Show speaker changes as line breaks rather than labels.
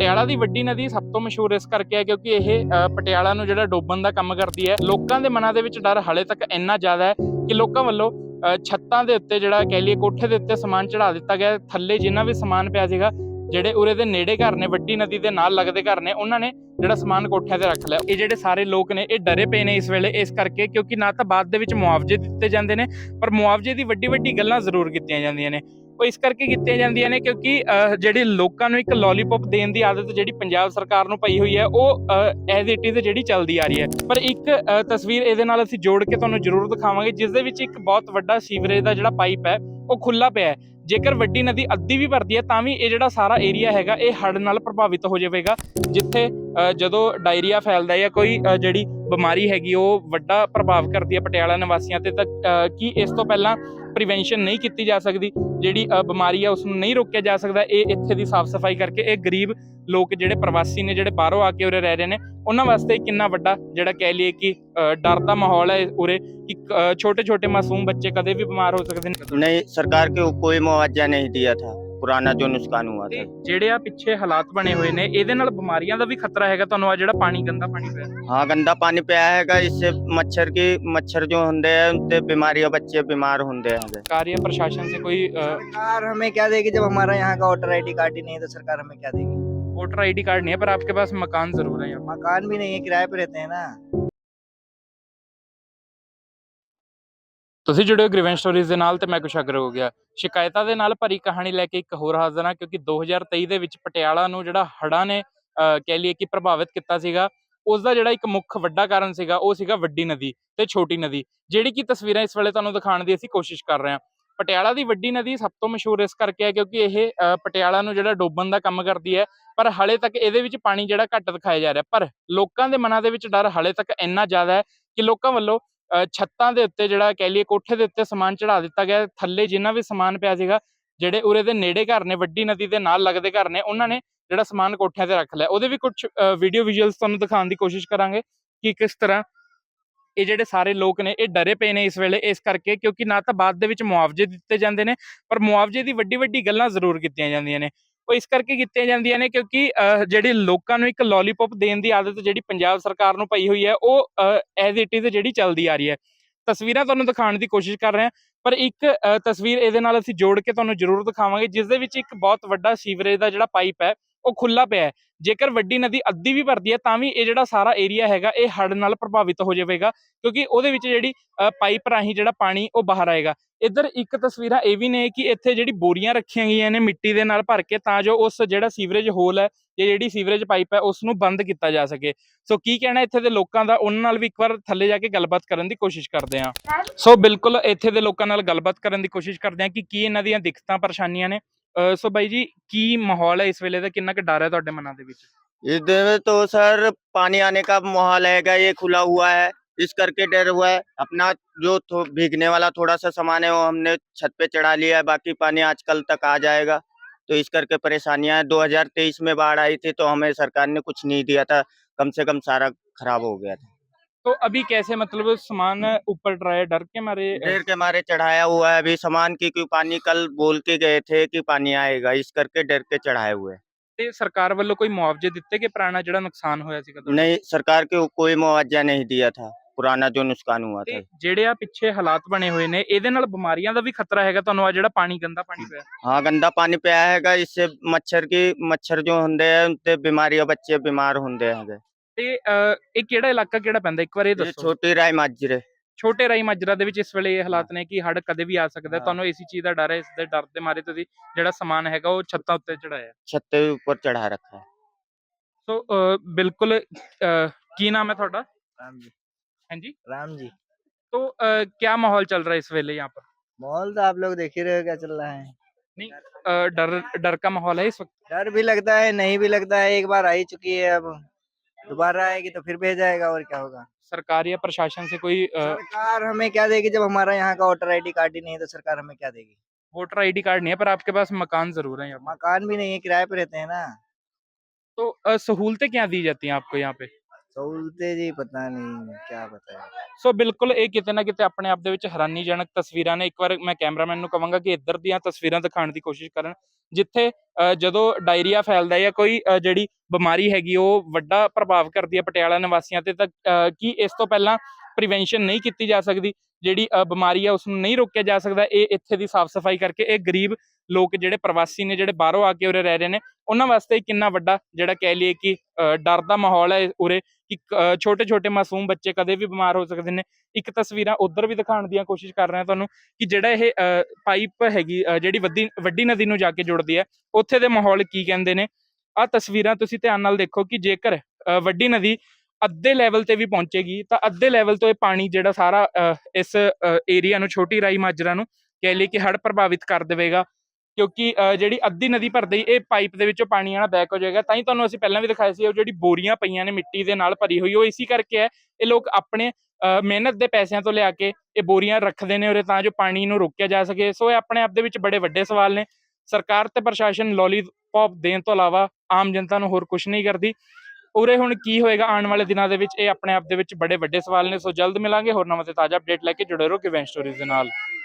ਪਟਿਆਲਾ ਦੀ ਵੱਡੀ ਨਦੀ ਸਭ ਤੋਂ ਮਸ਼ਹੂਰ ਇਸ ਕਰਕੇ ਹੈ ਕਿਉਂਕਿ ਇਹ ਪਟਿਆਲਾ ਨੂੰ ਜਿਹੜਾ ਡੋਬਣ ਦਾ ਕੰਮ ਕਰਦੀ ਹੈ। ਲੋਕਾਂ ਦੇ ਮਨਾਂ ਦੇ ਵਿੱਚ ਡਰ ਹਾਲੇ ਤੱਕ ਇੰਨਾ ਜ਼ਿਆਦਾ ਹੈ ਕਿ ਲੋਕਾਂ ਵੱਲੋਂ ਛੱਤਾਂ ਦੇ ਉੱਤੇ ਜਿਹੜਾ ਕਹਿ ਲਈਏ ਕੋਠੇ ਦੇ ਉੱਤੇ ਸਮਾਨ ਚੜਾ ਦਿੱਤਾ ਗਿਆ। ਥੱਲੇ ਜਿੰਨਾ ਵੀ ਸਮਾਨ ਪਿਆ ਸੀਗਾ, ਜਿਹੜੇ ਉਰੇ ਦੇ ਨੇੜੇ ਘਰ ਨੇ, ਵੱਡੀ ਨਦੀ ਦੇ ਨਾਲ ਲੱਗਦੇ ਘਰ ਨੇ, ਉਹਨਾਂ ਨੇ ਜਿਹੜਾ ਸਮਾਨ ਕੋਠਿਆਂ ਤੇ ਰੱਖ ਲਿਆ। ਇਹ ਜਿਹੜੇ ਸਾਰੇ ਲੋਕ ਨੇ ਇਹ ਡਰੇ ਪਏ ਨੇ ਇਸ ਵੇਲੇ, ਇਸ ਕਰਕੇ ਕਿਉਂਕਿ ਨਾ ਤਾਂ ਬਾਅਦ ਦੇ ਵਿੱਚ ਮੁਆਵਜ਼ੇ ਦਿੱਤੇ ਜਾਂਦੇ ਨੇ, ਪਰ ਮੁਆਵਜ਼ੇ ਦੀ ਵੱਡੀ ਵੱਡੀ ਗੱਲਾਂ ਜ਼ਰੂਰ ਕੀਤੀਆਂ ਜਾਂਦੀਆਂ ਨੇ। ਉਹ ਇਸ ਕਰਕੇ ਕੀਤੀਆਂ ਜਾਂਦੀਆਂ ਨੇ ਕਿਉਂਕਿ ਜਿਹੜੇ ਲੋਕਾਂ ਨੂੰ ਇੱਕ ਲੋਲੀਪੌਪ ਦੇਣ ਦੀ ਆਦਤ ਜਿਹੜੀ ਪੰਜਾਬ ਸਰਕਾਰ ਨੂੰ ਪਈ ਹੋਈ ਹੈ, ਉਹ ਐਜ਼ ਇਟ ਇਜ਼ ਜਿਹੜੀ ਚੱਲਦੀ ਆ ਰਹੀ ਹੈ। ਪਰ ਇੱਕ ਤਸਵੀਰ ਇਹਦੇ ਨਾਲ ਅਸੀਂ ਜੋੜ ਕੇ ਤੁਹਾਨੂੰ ਜ਼ਰੂਰ ਦਿਖਾਵਾਂਗੇ, ਜਿਸ ਦੇ ਵਿੱਚ ਇੱਕ ਬਹੁਤ ਵੱਡਾ ਸੀਵਰੇਜ ਦਾ ਜਿਹੜਾ ਪਾਈਪ ਹੈ ਉਹ ਖੁੱਲਾ ਪਿਆ ਹੈ। ਜੇਕਰ ਵੱਡੀ ਨਦੀ ਅੱਧੀ ਵੀ ਭਰਦੀ ਹੈ ਤਾਂ ਵੀ ਇਹ ਜਿਹੜਾ ਸਾਰਾ ਏਰੀਆ ਹੈਗਾ ਇਹ ਹੜ੍ਹ ਨਾਲ ਪ੍ਰਭਾਵਿਤ ਹੋ ਜਾਵੇਗਾ, ਜਿੱਥੇ ਜਦੋਂ ਡਾਇਰੀਆ ਫੈਲਦਾ ਜਾਂ ਕੋਈ ਜਿਹੜੀ ਬਿਮਾਰੀ ਹੈਗੀ ਉਹ ਵੱਡਾ ਪ੍ਰਭਾਵ ਕਰਦੀ ਹੈ ਪਟਿਆਲਾ ਨਿਵਾਸੀਆਂ ਤੇ। ਤਾਂ ਕੀ ਇਸ ਤੋਂ ਪਹਿਲਾਂ ਪ੍ਰੀਵੈਂਸ਼ਨ ਨਹੀਂ ਕੀਤੀ ਜਾ ਸਕਦੀ, ਜਿਹੜੀ ਬਿਮਾਰੀ ਹੈ ਉਸ ਨੂੰ ਨਹੀਂ ਰੋਕਿਆ ਜਾ ਸਕਦਾ? ਇਹ ਇੱਥੇ ਦੀ ਸਾਫ਼ ਸਫਾਈ ਕਰਕੇ ਇਹ ਗਰੀਬ ਲੋਕ ਜਿਹੜੇ ਪ੍ਰਵਾਸੀ ਨੇ, ਜਿਹੜੇ ਬਾਹਰੋਂ ਆ ਕੇ ਉਰੇ ਰਹਿ ਰਹੇ ਨੇ, ਉਹਨਾਂ ਵਾਸਤੇ ਕਿੰਨਾ ਵੱਡਾ ਜਿਹੜਾ ਕਹਿ ਲਈਏ ਕਿ ਡਰ ਦਾ ਮਾਹੌਲ ਹੈ ਉਰੇ ਕਿ छोटे छोटे मासूम बच्चे कदे भी बीमार हो सकते हैं।
नहीं, सरकार के कोई मुआवजा नहीं दिया था, पुराना जो नुकसान हुआ था।
ਜਿਹੜੇ ਆ ਪਿੱਛੇ ਹਾਲਾਤ ਬਣੇ ਹੋਏ ਨੇ, ਇਹਦੇ ਨਾਲ ਬਿਮਾਰੀਆਂ ਦਾ ਵੀ ਖਤਰਾ ਹੈਗਾ ਤੁਹਾਨੂੰ? ਆ ਜਿਹੜਾ ਪਾਣੀ ਗੰਦਾ ਪਾਣੀ ਪਿਆ,
हाँ गंदा पानी पिया हैगा, इससे मच्छर जो होंगे हैं उनसे बीमारियां, बच्चे बीमार होंगे हैं।
सरकारी या प्रशासन से कोई
सरकार हमें क्या देगी जब हमारा यहाँ का वोटर आईडी कार्ड ही नहीं है, तो सरकार हमें क्या देगी?
वोटर आईडी कार्ड नहीं है पर आपके पास मकान जरूर है।
मकान भी नहीं है, किराए पे रहते हैं ना।
ਤੁਸੀਂ ਜੁੜੇ ਹੋ ਗ੍ਰੀਵੈਂਸ ਸਟੋਰੀਜ਼ ਦੇ ਨਾਲ ਤੇ ਮੈਂ ਕੁਸ਼ਾਗਰ ਹੋ ਗਿਆ। ਸ਼ਿਕਾਇਤਾਂ ਦੇ ਨਾਲ ਭਰੀ ਕਹਾਣੀ ਲੈ ਕੇ ਇੱਕ ਹੋਰ ਹਾਜ਼ਰ ਹਾਂ, ਕਿਉਂਕਿ 2023 ਦੇ ਵਿੱਚ ਪਟਿਆਲਾ ਨੂੰ ਜਿਹੜਾ ਹੜ੍ਹਾਂ ਨੇ ਕਹਿ ਲਈਏ ਕਿ ਪ੍ਰਭਾਵਿਤ ਕੀਤਾ ਸੀਗਾ, ਉਸ ਦਾ ਜਿਹੜਾ ਇੱਕ ਮੁੱਖ ਵੱਡਾ ਕਾਰਨ ਸੀਗਾ ਉਹ ਸੀਗਾ ਵੱਡੀ ਨਦੀ ਤੇ ਛੋਟੀ ਨਦੀ, ਜਿਹੜੀ ਕਿ ਤਸਵੀਰਾਂ ਇਸ ਵੇਲੇ ਤੁਹਾਨੂੰ ਦਿਖਾਉਣ ਦੀ ਅਸੀਂ ਕੋਸ਼ਿਸ਼ ਕਰ ਰਹੇ ਹਾਂ। ਪਟਿਆਲਾ ਦੀ ਵੱਡੀ ਨਦੀ ਸਭ ਤੋਂ ਮਸ਼ਹੂਰ ਇਸ ਕਰਕੇ ਹੈ ਕਿਉਂਕਿ ਇਹ ਪਟਿਆਲਾ ਨੂੰ ਜਿਹੜਾ ਡੋਬਣ ਦਾ ਕੰਮ ਕਰਦੀ ਹੈ, ਪਰ ਹਾਲੇ ਤੱਕ ਇਹਦੇ ਵਿੱਚ ਪਾਣੀ ਜਿਹੜਾ ਘੱਟ ਦਿਖਾਇਆ ਜਾ ਰਿਹਾ। ਪਰ ਲੋਕਾਂ ਦੇ ਮਨਾਂ ਦੇ ਵਿੱਚ ਡਰ ਹਾਲੇ ਤੱਕ ਇੰਨਾ ਜ਼ਿਆਦਾ ਹੈ ਕਿ ਲੋਕਾਂ ਵੱਲੋਂ ਛੱਤਾਂ ਦੇ ਉੱਤੇ ਜਿਹੜਾ ਕਹਿ ਲਈਏ ਕੋਠੇ ਦੇ ਉੱਤੇ ਸਮਾਨ ਚੜਾ ਦਿੱਤਾ ਗਿਆ। ਥੱਲੇ ਜਿੰਨਾ ਵੀ ਸਮਾਨ ਪਿਆ ਸੀਗਾ, ਜਿਹੜੇ ਉਰੇ ਦੇ ਨੇੜੇ ਘਰ ਨੇ, ਵੱਡੀ ਨਦੀ ਦੇ ਨਾਲ ਲੱਗਦੇ ਘਰ ਨੇ, ਉਹਨਾਂ ਨੇ ਜਿਹੜਾ ਸਮਾਨ ਕੋਠਿਆਂ ਤੇ ਰੱਖ ਲਿਆ। ਉਹਦੇ ਵੀ ਕੁਝ ਵੀਡੀਓ ਵਿਜ਼ੂਅਲਸ ਤੁਹਾਨੂੰ ਦਿਖਾਉਣ ਦੀ ਕੋਸ਼ਿਸ਼ ਕਰਾਂਗੇ ਕਿ ਕਿਸ ਤਰ੍ਹਾਂ ਇਹ ਜਿਹੜੇ ਸਾਰੇ ਲੋਕ ਨੇ ਇਹ ਡਰੇ ਪਏ ਨੇ ਇਸ ਵੇਲੇ, ਇਸ ਕਰਕੇ ਕਿਉਂਕਿ ਨਾ ਤਾਂ ਬਾਅਦ ਦੇ ਵਿੱਚ ਮੁਆਵਜ਼ੇ ਦਿੱਤੇ ਜਾਂਦੇ ਨੇ, ਪਰ ਮੁਆਵਜ਼ੇ ਦੀ ਵੱਡੀ ਵੱਡੀ ਗੱਲਾਂ ਜ਼ਰੂਰ ਕੀਤੀਆਂ ਜਾਂਦੀਆਂ ਨੇ। ਉਹ ਇਸ ਕਰਕੇ ਕੀਤੀਆਂ ਜਾਂਦੀਆਂ ਨੇ ਕਿਉਂਕਿ ਜਿਹੜੇ ਲੋਕਾਂ ਨੂੰ ਇੱਕ ਲੋਲੀਪੌਪ ਦੇਣ ਦੀ ਆਦਤ ਜਿਹੜੀ ਪੰਜਾਬ ਸਰਕਾਰ ਨੂੰ ਪਈ ਹੋਈ ਹੈ, ਉਹ ਐਜ਼ ਇਟ ਇਜ਼ ਜਿਹੜੀ ਚੱਲਦੀ ਆ ਰਹੀ ਹੈ। ਤਸਵੀਰਾਂ ਤੁਹਾਨੂੰ ਦਿਖਾਉਣ ਦੀ ਕੋਸ਼ਿਸ਼ ਕਰ ਰਹੇ ਹਾਂ, ਪਰ ਇੱਕ ਤਸਵੀਰ ਇਹਦੇ ਨਾਲ ਅਸੀਂ ਜੋੜ ਕੇ ਤੁਹਾਨੂੰ ਜ਼ਰੂਰ ਦਿਖਾਵਾਂਗੇ, ਜਿਸ ਦੇ ਵਿੱਚ ਇੱਕ ਬਹੁਤ ਵੱਡਾ ਸੀਵਰੇਜ ਦਾ ਜਿਹੜਾ ਪਾਈਪ ਹੈ ਉਹ ਖੁੱਲਾ ਪਿਆ ਹੈ। ਜੇਕਰ ਵੱਡੀ ਨਦੀ ਅੱਧੀ ਵੀ ਭਰਦੀ ਹੈ ਤਾਂ ਵੀ ਇਹ ਜਿਹੜਾ ਸਾਰਾ ਏਰੀਆ ਹੈਗਾ ਇਹ ਹੜ੍ਹ ਨਾਲ ਪ੍ਰਭਾਵਿਤ ਹੋ ਜਾਵੇਗਾ, ਕਿਉਂਕਿ ਉਹਦੇ ਵਿੱਚ ਜਿਹੜੀ ਪਾਈਪ ਰਾਹੀਂ ਜਿਹੜਾ ਪਾਣੀ ਉਹ ਬਾਹਰ ਆਏਗਾ। ਇੱਧਰ ਇੱਕ ਤਸਵੀਰਾਂ ਇਹ ਵੀ ਨੇ ਕਿ ਇੱਥੇ ਜਿਹੜੀ ਬੋਰੀਆਂ ਰੱਖੀਆਂ ਗਈਆਂ ਨੇ ਮਿੱਟੀ ਦੇ ਨਾਲ ਭਰ ਕੇ, ਤਾਂ ਜੋ ਉਸ ਜਿਹੜਾ ਸੀਵਰੇਜ ਹੋਲ ਹੈ ਜਾਂ ਜਿਹੜੀ ਸੀਵਰੇਜ ਪਾਈਪ ਹੈ ਉਸ ਨੂੰ ਬੰਦ ਕੀਤਾ ਜਾ ਸਕੇ। ਸੋ ਕੀ ਕਹਿਣਾ ਇੱਥੇ ਦੇ ਲੋਕਾਂ ਦਾ, ਉਹਨਾਂ ਨਾਲ ਵੀ ਇੱਕ ਵਾਰ ਥੱਲੇ ਜਾ ਕੇ ਗੱਲਬਾਤ ਕਰਨ ਦੀ ਕੋਸ਼ਿਸ਼ ਕਰਦੇ ਹਾਂ। ਸੋ ਬਿਲਕੁਲ ਇੱਥੇ ਦੇ ਲੋਕਾਂ ਨਾਲ ਗੱਲਬਾਤ ਕਰਨ ਦੀ ਕੋਸ਼ਿਸ਼ ਕਰਦੇ ਹਾਂ ਕਿ ਕੀ ਇਹਨਾਂ ਦੀਆਂ ਦਿੱਕਤਾਂ ਪਰੇਸ਼ਾਨੀਆਂ ਨੇ। ਸੋ ਬਾਈ ਜੀ, ਕੀ ਮਾਹੌਲ ਹੈ ਇਸ ਵੇਲੇ ਦਾ, ਕਿੰਨਾ ਕੁ ਡਰ ਹੈ ਤੁਹਾਡੇ ਮਨਾਂ ਦੇ ਵਿੱਚ?
इधर तो सर पानी आने का माहौल हैगा, ये खुला हुआ है, इस करके डर हुआ है। अपना जो भीगने वाला थोड़ा सा सामान है वो हमने छत पे चढ़ा लिया है, बाकी पानी आज कल तक आ जाएगा, तो इस करके परेशानियां हैं। 2023 में बाढ़ आई थी तो हमें सरकार ने कुछ नहीं दिया था, कम से कम सारा खराब हो गया था।
तो अभी कैसे, मतलब सामान ऊपर डराया, डर के मारे?
डर के मारे चढ़ाया हुआ है अभी सामान की, क्योंकि पानी कल बोल के गए थे कि पानी आएगा, इस करके डर के चढ़ाए हुए हैं।
ਤੇ ਸਰਕਾਰ ਵੱਲੋਂ ਕੋਈ ਮੁਆਵਜ਼ੇ ਦਿੱਤੇ ਕਿ ਪੁਰਾਣਾ ਜਿਹੜਾ ਨੁਕਸਾਨ ਹੋਇਆ ਸੀਗਾ ਤੁਹਾਡਾ?
नहीं, सरकार के कोई मुआवजा नहीं दिया था, पुराना जो नुकसान हुआ था।
ਤੇ ਜਿਹੜੇ ਆ ਪਿੱਛੇ ਹਾਲਾਤ ਬਣੇ ਹੋਏ ਨੇ, ਇਹਦੇ ਨਾਲ ਬਿਮਾਰੀਆਂ ਦਾ ਵੀ ਖਤਰਾ ਹੈਗਾ ਤੁਹਾਨੂੰ? ਆ ਜਿਹੜਾ ਪਾਣੀ ਗੰਦਾ ਪਾਣੀ ਪਿਆ,
हाँ गंदा पानी पिया हैगा, इससे मच्छर जो होंगे हैं उनसे बीमारियां, बच्चे बीमार होंगे हैं।
ਤੇ ਇਹ ਕਿਹੜਾ ਇਲਾਕਾ ਕਿਹੜਾ ਪੈਂਦਾ, ਇੱਕ ਵਾਰ ਇਹ
ये
ਦੱਸੋ।
छोटी राय माजरे।
ਛੋਟੇ ਰਾਈ ਮਾਜਰਾ ਦੇ ਵਿੱਚ ਇਸ ਵੇਲੇ ਇਹ ਹਾਲਾਤ ਨੇ ਕਿ ਹੜ੍ਹ ਕਦੇ ਵੀ ਆ ਸਕਦਾ, ਤੁਹਾਨੂੰ ਇਸੇ ਚੀਜ਼ ਦਾ ਡਰ ਹੈ? ਇਸ ਦੇ ਡਰ ਦੇ ਮਾਰੇ ਤੁਸੀਂ ਜਿਹੜਾ ਸਮਾਨ ਹੈਗਾ ਉਹ ਛੱਤਾਂ ਉੱਤੇ ਚੜਾਇਆ?
छत के ऊपर चढ़ा रखा है।
ਸੋ ਬਿਲਕੁਲ ਕੀ ਨਾਮ ਹੈ ਤੁਹਾਡਾ?
राम जी।
ਹਾਂਜੀ।
राम जी।
तो क्या माहौल चल रहा है इस वेले यहाँ पर?
माहौल तो आप लोग देख ही रहे हो क्या चल रहा है।
नहीं, डर डर का माहौल है इस वक्त?
डर भी लगता है, नहीं भी लगता है। एक बार आ ही चुकी है, अब दोबारा आएगी तो फिर भेज जाएगा, और क्या होगा।
सरकार या प्रशासन से कोई
सरकार हमें क्या देगी जब हमारा यहाँ का वोटर आईडी कार्ड ही नहीं है, तो सरकार हमें क्या देगी?
वोटर आईडी कार्ड नहीं है पर आपके पास मकान जरूर है यहाँ पर।
मकान भी नहीं है, किराए पे रहते हैं ना।
तो सहूलतें क्या दी जाती हैं आपको यहाँ पे?
सहूलते जी पता नहीं क्या बताया।
ਸੋ ਬਿਲਕੁਲ ਇਹ ਕਿਤੇ ਨਾ ਕਿਤੇ ਆਪਣੇ ਆਪ ਦੇ ਵਿੱਚ ਹੈਰਾਨੀਜਨਕ ਤਸਵੀਰਾਂ ਨੇ। ਇੱਕ ਵਾਰ ਮੈਂ ਕੈਮਰਾਮੈਨ ਨੂੰ ਕਹਾਂਗਾ ਕਿ ਇੱਧਰ ਦੀਆਂ ਤਸਵੀਰਾਂ ਦਿਖਾਉਣ ਦੀ ਕੋਸ਼ਿਸ਼ ਕਰਨ, ਜਿੱਥੇ ਜਦੋਂ ਡਾਇਰੀਆ ਫੈਲਦਾ ਜਾਂ ਕੋਈ ਜਿਹੜੀ ਬਿਮਾਰੀ ਹੈਗੀ ਉਹ ਵੱਡਾ ਪ੍ਰਭਾਵ ਕਰਦੀ ਹੈ ਪਟਿਆਲਾ ਨਿਵਾਸੀਆਂ ਤੇ, ਤਾਂ ਕੀ ਇਸ ਤੋਂ ਪਹਿਲਾਂ ਪ੍ਰੀਵੈਂਸ਼ਨ ਨਹੀਂ ਕੀਤੀ ਜਾ ਸਕਦੀ? ਜਿਹੜੀ ਬਿਮਾਰੀ ਆ ਉਸ ਨੂੰ ਨਹੀਂ ਰੋਕਿਆ ਜਾ ਸਕਦਾ? ਇਹ ਇੱਥੇ ਦੀ ਸਾਫ਼ ਸਫਾਈ ਕਰਕੇ ਇਹ ਗਰੀਬ ਲੋਕ ਜਿਹੜੇ ਪ੍ਰਵਾਸੀ ਨੇ, ਜਿਹੜੇ ਬਾਹਰੋਂ ਆ ਕੇ ਉਰੇ ਰਹਿ ਰਹੇ ਨੇ, ਉਹਨਾਂ ਵਾਸਤੇ ਕਿੰਨਾ ਵੱਡਾ ਜਿਹੜਾ ਕਹਿ ਲਈਏ ਕਿ ਡਰ ਦਾ ਮਾਹੌਲ ਹੈ ਉਰੇ, ਕਿ ਛੋਟੇ ਛੋਟੇ ਮਾਸੂਮ ਬੱਚੇ ਕਦੇ ਵੀ ਬਿਮਾਰ ਹੋ ਸਕਦੇ ਨੇ। ਇੱਕ ਤਸਵੀਰਾਂ ਉੱਧਰ ਵੀ ਦਿਖਾਉਣ ਦੀਆਂ ਕੋਸ਼ਿਸ਼ ਕਰ ਰਿਹਾ ਤੁਹਾਨੂੰ ਕਿ ਜਿਹੜਾ ਇਹ ਪਾਈਪ ਹੈਗੀ ਜਿਹੜੀ ਵੱਡੀ ਨਦੀ ਨੂੰ ਜਾ ਕੇ ਜੁੜਦੀ ਹੈ, ਉੱਥੇ ਦੇ ਮਾਹੌਲ ਕੀ ਕਹਿੰਦੇ ਨੇ। ਆਹ ਤਸਵੀਰਾਂ ਤੁਸੀਂ ਧਿਆਨ ਨਾਲ ਦੇਖੋ ਕਿ ਜੇਕਰ ਵੱਡੀ ਨਦੀ ਅੱਧੇ ਲੈਵਲ ਤੇ ਵੀ ਪਹੁੰਚੇਗੀ ਤਾਂ ਅੱਧੇ ਲੈਵਲ ਤੋਂ ਇਹ ਪਾਣੀ ਜਿਹੜਾ ਸਾਰਾ ਇਸ ਏਰੀਆ ਨੂੰ, ਛੋਟੀ ਰਾਈ ਮਾਜਰਾ ਨੂੰ ਕਹਿ ਲਈ ਕਿ ਹੜ੍ਹ ਪ੍ਰਭਾਵਿਤ ਕਰ ਦੇਵੇਗਾ। ਕਿਉਂਕਿ ਜਿਹੜੀ ਅੱਧੀ ਨਦੀ ਭਰਦੀ ਇਹ ਪਾਈਪ ਦੇ ਵਿੱਚੋਂ ਪਾਣੀ ਆਣਾ ਬੈਕ ਹੋ ਜਾਏਗਾ। ਤਾਂ ਹੀ ਤੁਹਾਨੂੰ ਅਸੀਂ ਪਹਿਲਾਂ ਵੀ ਦਿਖਾਇਆ ਸੀ ਉਹ ਜਿਹੜੀ ਬੋਰੀਆਂ ਪਈਆਂ ਨੇ ਮਿੱਟੀ ਦੇ ਨਾਲ ਭਰੀ ਹੋਈ, ਉਹ ਇਸੀ ਕਰਕੇ ਹੈ। ਇਹ ਲੋਕ ਆਪਣੇ ਮਿਹਨਤ ਦੇ ਪੈਸਿਆਂ ਤੋਂ ਲਿਆ ਕੇ ਇਹ ਬੋਰੀਆਂ ਰੱਖਦੇ ਨੇ ਉਰੇ ਤਾਂ ਜੋ ਪਾਣੀ ਨੂੰ ਰੋਕਿਆ ਜਾ ਸਕੇ। ਸੋ ਇਹ ਆਪਣੇ ਆਪ ਦੇ ਵਿੱਚ ਬੜੇ ਵੱਡੇ ਸਵਾਲ ਨੇ। ਸਰਕਾਰ ਤੇ ਪ੍ਰਸ਼ਾਸਨ ਲੋਲੀਪੌਪ ਦੇਣ ਤੋਂ ਇਲਾਵਾ ਆਮ ਜਨਤਾ ਨੂੰ ਹੋਰ ਕੁਝ ਨਹੀਂ ਕਰਦੀ। ਉਰੇ ਹੁਣ ਕੀ ਹੋਏਗਾ ਆਉਣ ਵਾਲੇ ਦਿਨਾਂ ਦੇ ਵਿੱਚ, ਇਹ ਆਪਣੇ ਆਪ ਦੇ ਵਿੱਚ ਬੜੇ ਵੱਡੇ ਸਵਾਲ ਨੇ। ਸੋ ਜਲਦ ਮਿਲਾਂਗੇ ਹੋਰ ਨਵਾਂ ਤੇ ਤਾਜ਼ਾ ਅਪਡੇਟ ਲੈ ਕੇ। ਜੁੜੇ ਰਹੋ ਕਿਵੇਂ ਸਟੋਰੀਜ਼ ਦੇ ਨਾਲ।